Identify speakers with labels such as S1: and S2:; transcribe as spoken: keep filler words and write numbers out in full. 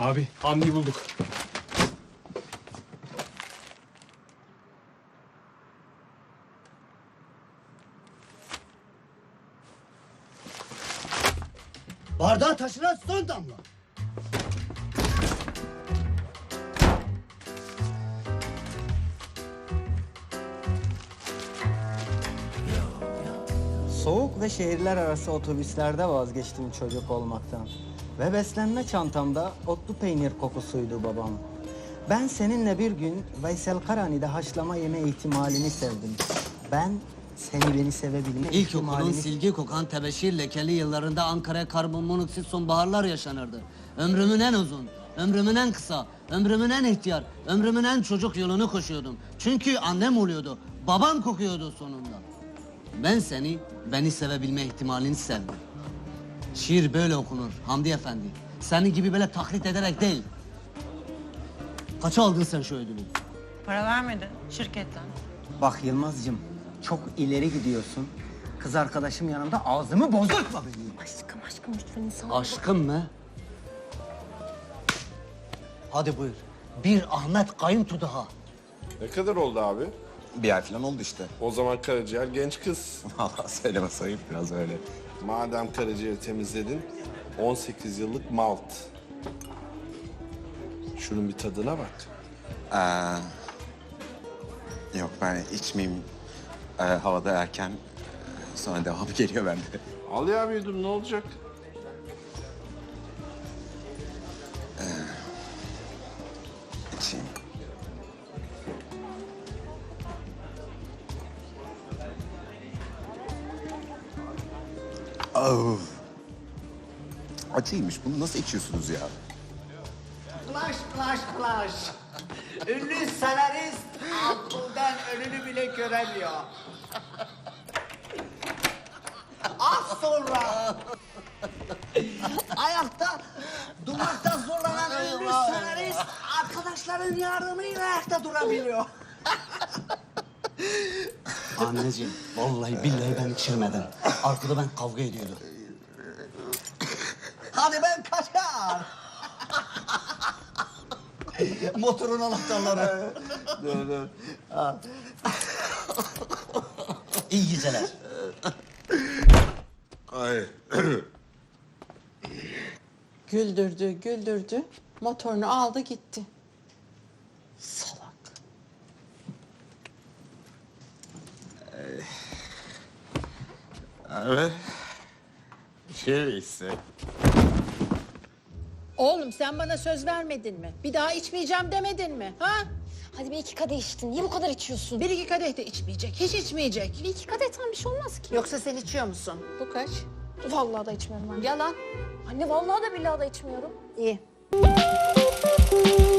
S1: Abi Hamdi'yi bulduk.
S2: Bardağı taşıran son damla.
S3: Soğuk ve şehirler arası otobüslerde vazgeçtim çocuk olmaktan. Ve beslenme çantamda otlu peynir kokusuydu babam. Ben seninle bir gün Veysel Karani'de haşlama yeme ihtimalini sevdim. Ben seni beni sevebilme
S2: İlkokulun
S3: ihtimalini...
S2: silgi kokan tebeşir lekeli yıllarında Ankara'ya karbon monoksit sonbaharlar yaşanırdı. Ömrümün en uzun, ömrümün en kısa, ömrümün en ihtiyar, ömrümün en çocuk yolunu koşuyordum. Çünkü annem oluyordu, babam kokuyordu sonunda. Ben seni, beni sevebilme ihtimalini sevdim. Şiir böyle okunur Hamdi Efendi. Senin gibi böyle taklit ederek değil. Kaça aldın sen şu ödülü?
S4: Para vermedin şirketten.
S3: Bak Yılmaz'cığım, çok ileri gidiyorsun. Kız arkadaşım yanımda ağzımı bozultma benim.
S4: Aşkım aşkım lütfen insan.
S2: Aşkım mı? Hadi buyur. Bir Ahmet Kayıntu daha.
S5: Ne kadar oldu abi?
S6: Bir ay falan oldu işte.
S5: O zaman karaciğer genç kız.
S6: Valla söyleme sayıp biraz öyle.
S5: Madem karaciğeri temizledin, on sekiz yıllık malt. Şunun bir tadına bak.
S6: Ee, yok ben içmeyeyim. Ee, havada erken. Sonra devamı geliyor bende.
S5: Al ya bir yudum, ne olacak?
S6: İçeyim. Oh. Acıymış. Bunu nasıl içiyorsunuz ya?
S7: Flash, flash, flash. Ünlü senarist aklından önünü bile göremiyor. Az sonra ayakta durmakta zorlanan ünlü senarist arkadaşların yardımıyla ayakta durabiliyor.
S2: Anneciğim, vallahi billahi ben içirmedim. Arkada ben kavga ediyordum.
S7: Hadi ben kaçar. Motorun anahtarları.
S2: Dur dur. İyi geceler.
S5: Ay.
S8: Güldürdü, güldürdü. Motorunu aldı gitti. Salak.
S6: Evet. Şey ise.
S8: Oğlum sen bana söz vermedin mi? Bir daha içmeyeceğim demedin mi? Ha?
S9: Hadi bir iki kadeh içtin. Niye bu kadar içiyorsun?
S8: Bir iki kadeh de içmeyecek. Hiç içmeyecek.
S9: Bir iki kadehten bir şey olmaz ki.
S8: Yoksa sen içiyor musun? Bu kaç?
S9: Vallahi da içmiyorum anne.
S8: Yalan.
S9: Anne vallahi da billahi da içmiyorum.
S8: İyi.